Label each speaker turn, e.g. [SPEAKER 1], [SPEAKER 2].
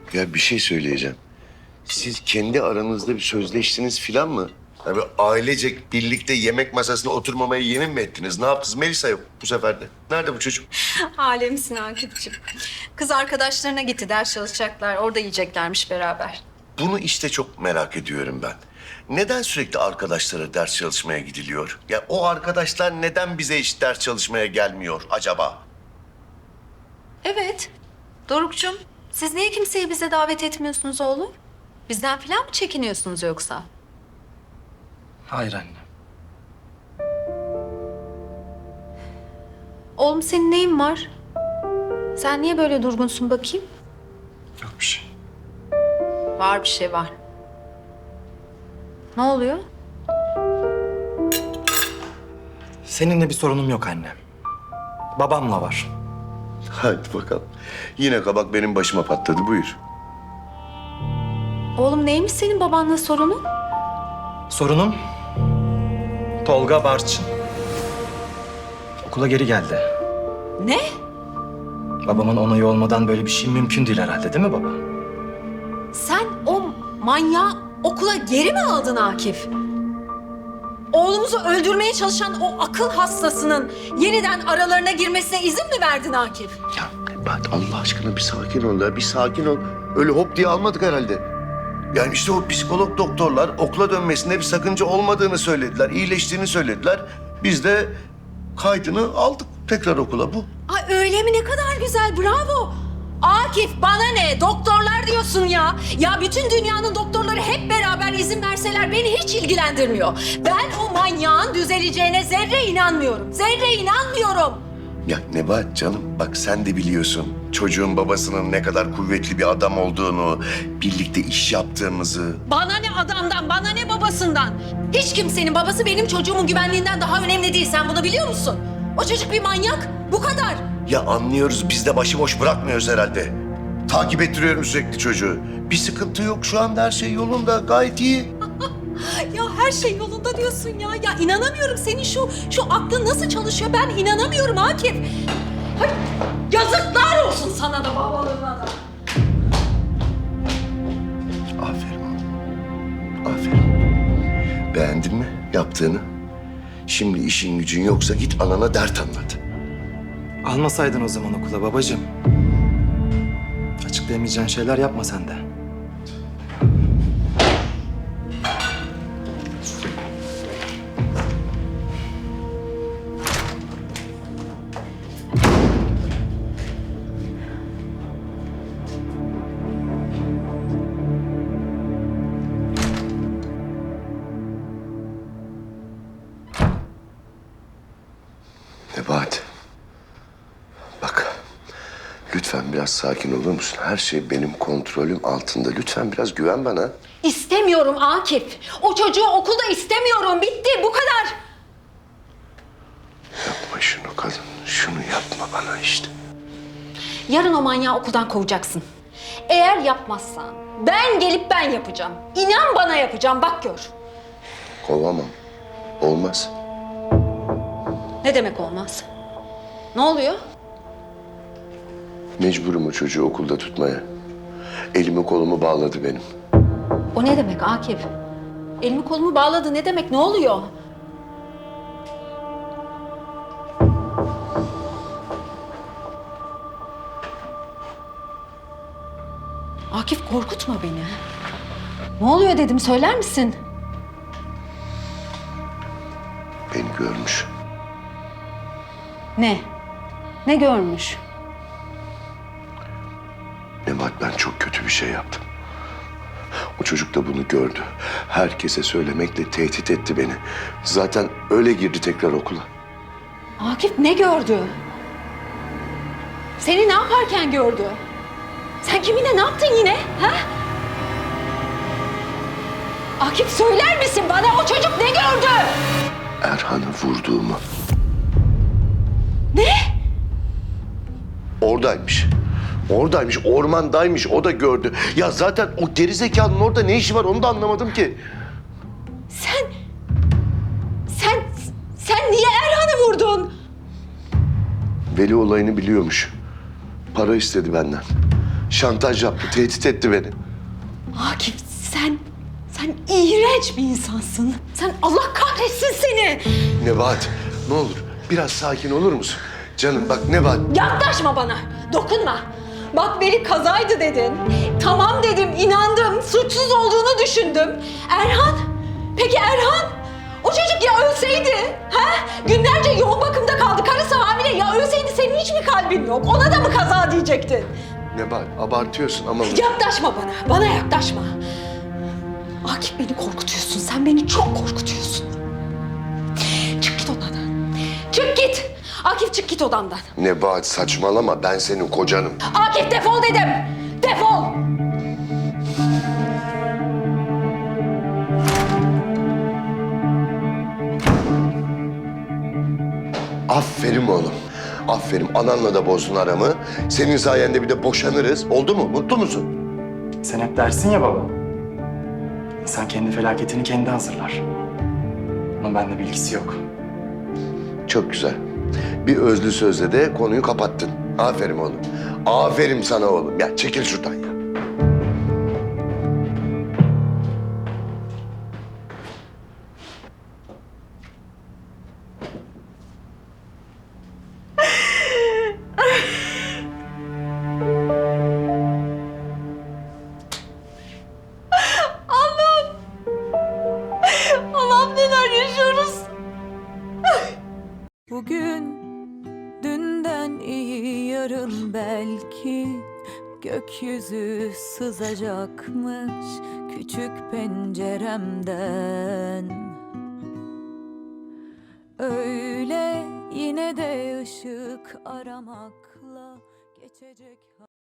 [SPEAKER 1] Ya bir şey söyleyeceğim. Siz kendi aranızda bir sözleştiniz filan mı? Yani ailecek birlikte yemek masasına oturmamaya yemin mi ettiniz? Ne yaptınız? Melisa yok bu sefer de. Nerede bu çocuk?
[SPEAKER 2] Alemsin Akif'ciğim. Kız arkadaşlarına gitti, ders çalışacaklar. Orada yiyeceklermiş beraber.
[SPEAKER 1] Bunu işte çok merak ediyorum ben. Neden sürekli arkadaşlara ders çalışmaya gidiliyor? Ya o arkadaşlar neden bize hiç ders çalışmaya gelmiyor acaba?
[SPEAKER 2] Evet. Doruk'cum, siz niye kimseyi bize davet etmiyorsunuz oğlum? Bizden falan mı çekiniyorsunuz yoksa?
[SPEAKER 3] Hayır anne.
[SPEAKER 2] Oğlum senin neyin var? Sen niye böyle durgunsun bakayım?
[SPEAKER 3] Yok bir şey.
[SPEAKER 2] Var bir şey var. Ne oluyor?
[SPEAKER 3] Seninle bir sorunum yok anne. Babamla var.
[SPEAKER 1] Hadi bakalım. Yine kabak benim başıma patladı. Buyur.
[SPEAKER 2] Oğlum neymiş senin babanla sorunun?
[SPEAKER 3] Sorunum Tolga Barçın. Okula geri geldi.
[SPEAKER 2] Ne?
[SPEAKER 3] Babamın onayı olmadan böyle bir şey mümkün değil herhalde, değil mi baba?
[SPEAKER 2] Sen o manyağı okula geri mi aldın Akif? Oğlumuzu öldürmeye çalışan o akıl hastasının yeniden aralarına girmesine izin mi verdin Akif?
[SPEAKER 1] Ya Nebahat Allah aşkına bir sakin ol ya. Bir sakin ol. Öyle hop diye almadık herhalde. Yani işte o psikolog doktorlar okula dönmesinde bir sakınca olmadığını söylediler. İyileştiğini söylediler. Biz de kaydını aldık tekrar okula bu.
[SPEAKER 2] Ay öyle mi? Ne kadar güzel. Bravo. Akif bana ne? Doktorlar diyorsun ya. Ya bütün dünyanın doktorları hep beraber izin verseler beni hiç ilgilendirmiyor. Ben o manyağın düzeleceğine zerre inanmıyorum. Zerre inanmıyorum.
[SPEAKER 1] Ya Nebahat canım bak sen de biliyorsun çocuğun babasının ne kadar kuvvetli bir adam olduğunu, birlikte iş yaptığımızı.
[SPEAKER 2] Bana ne adamdan, bana ne babasından. Hiç kimsenin babası benim çocuğumun güvenliğinden daha önemli değil. Sen bunu biliyor musun? O çocuk bir manyak. Bu kadar.
[SPEAKER 1] Ya anlıyoruz biz de başıboş bırakmıyoruz herhalde. Takip ettiriyorum sürekli çocuğu. Bir sıkıntı yok şu anda her şey yolunda gayet iyi.
[SPEAKER 2] Ya her şey yolunda diyorsun ya. Ya inanamıyorum senin şu aklın nasıl çalışıyor ben inanamıyorum Akif. Hay, yazıklar olsun sana da babalığına da.
[SPEAKER 1] Aferin oğlum. Aferin. Beğendin mi yaptığını? Şimdi işin gücün yoksa git anana dert anlat.
[SPEAKER 3] Almasaydın o zaman okula babacığım. Açıklayamayacağın şeyler yapma sen de.
[SPEAKER 1] Nebahat. Bak. Lütfen biraz sakin olur musun? Her şey benim kontrolüm altında. Lütfen biraz güven bana.
[SPEAKER 2] İstemiyorum Akif. O çocuğu okulda istemiyorum. Bitti bu kadar.
[SPEAKER 1] Yapma şunu kadın. Şunu yapma bana işte.
[SPEAKER 2] Yarın o manyağı okuldan kovacaksın. Eğer yapmazsan ben gelip ben yapacağım. İnan bana yapacağım bak gör.
[SPEAKER 1] Kovamam. Olmaz.
[SPEAKER 2] Ne demek olmaz? Ne oluyor?
[SPEAKER 1] Mecburum o çocuğu okulda tutmaya. Elimi kolumu bağladı benim.
[SPEAKER 2] O ne demek Akif? Elimi kolumu bağladı ne demek? Ne oluyor? Akif korkutma beni. Ne oluyor dedim söyler misin?
[SPEAKER 1] Beni görmüş.
[SPEAKER 2] Ne? Ne görmüş?
[SPEAKER 1] Nebahat ben çok kötü bir şey yaptım. O çocuk da bunu gördü. Herkese söylemekle tehdit etti beni. Zaten öyle girdi tekrar okula.
[SPEAKER 2] Akif ne gördü? Seni ne yaparken gördü? Sen kiminle ne yaptın yine? Ha? Akif söyler misin bana o çocuk ne gördü?
[SPEAKER 1] Erhan'ı vurduğumu.
[SPEAKER 2] Ne?
[SPEAKER 1] Oradaymış. Oradaymış, ormandaymış. O da gördü. Ya zaten o gerizekalının orada ne işi var onu da anlamadım ki.
[SPEAKER 2] Sen niye Erhan'ı vurdun?
[SPEAKER 1] Veli olayını biliyormuş. Para istedi benden. Şantaj yaptı, tehdit etti beni.
[SPEAKER 2] Akif sen iğrenç bir insansın. Sen Allah kahretsin seni.
[SPEAKER 1] Nebahat, ne olur biraz sakin olur musun? Canım bak Nebahat.
[SPEAKER 2] Yaklaşma bana. Dokunma. Bak beni kazaydı dedin. Tamam dedim, inandım. Suçsuz olduğunu düşündüm. Erhan? Peki Erhan? O çocuk ya ölseydi? Ha? Günlerce yoğun bakımda kaldı. Karısı hamile. Ya ölseydi senin hiç mi kalbin yok? Ona da mı kaza diyecektin?
[SPEAKER 1] Nebahat abartıyorsun ama...
[SPEAKER 2] Yaklaşma bana. Bana yaklaşma. Akif beni korkutuyorsun. Sen beni çok korkutuyorsun. Çık git odadan. Çık git. Akif çık git odamdan.
[SPEAKER 1] Nebahat saçmalama, ben senin kocanım.
[SPEAKER 2] Akif defol dedim. Defol.
[SPEAKER 1] Aferin oğlum. Aferin. Ananla da bozdun aramı. Senin sayende bir de boşanırız. Oldu mu? Mutlu musun?
[SPEAKER 3] Sen hep dersin ya baba. İnsan kendi felaketini kendi hazırlar. Ama bende bilgisi yok.
[SPEAKER 1] Çok güzel. Bir özlü sözle de konuyu kapattın. Aferin oğlum. Aferin sana oğlum. Ya çekil şuradan ya.
[SPEAKER 2] Allah'ım neler yaşıyoruz.
[SPEAKER 4] Bugün dünden iyi yarın belki gökyüzü sızacakmış küçük penceremden. Öyle yine de ışık aramakla geçecek.